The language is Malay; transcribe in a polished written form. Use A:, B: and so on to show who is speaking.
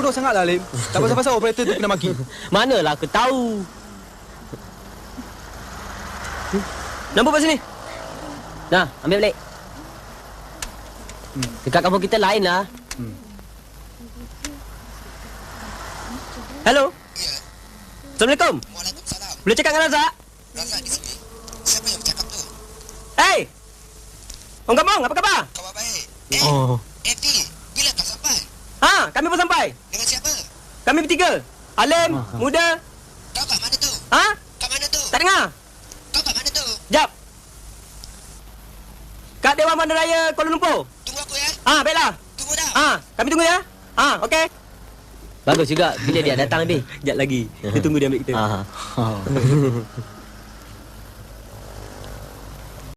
A: bodoh sangatlah, Lim. Tak pasal-pasal operator tu kena maki.
B: Manalah aku tahu. Nombor kat sini. Nah, ambil balik. Dekat kampung kita lain lah. Hello.
C: Ya.
B: Assalamualaikum.
C: Waalaikumsalam.
B: Boleh cakap dengan Razak?
C: Razak di sini. Siapa yang bercakap tu?
B: Hey! Orang kampung, apa khabar?
C: Khabar baik. Eti, bila kau sampai?
B: Ha, kami pun sampai.
C: Dengan siapa?
B: Kami bertiga. Alim, Muda.
C: Kau kat mana tu?
B: Ha?
C: Kat mana tu?
B: Tak dengar?
C: Kau kat mana tu?
B: Jap. Kat Dewan Bandaraya Kuala Lumpur.
C: Tunggu aku ya.
B: Ha, baiklah.
C: Tunggu dah.
B: Ha, kami tunggu ya. Ha, okey. Bagus juga bila dia datang nanti. Sekejap lagi. Kita tunggu dia ambil kita. Ha.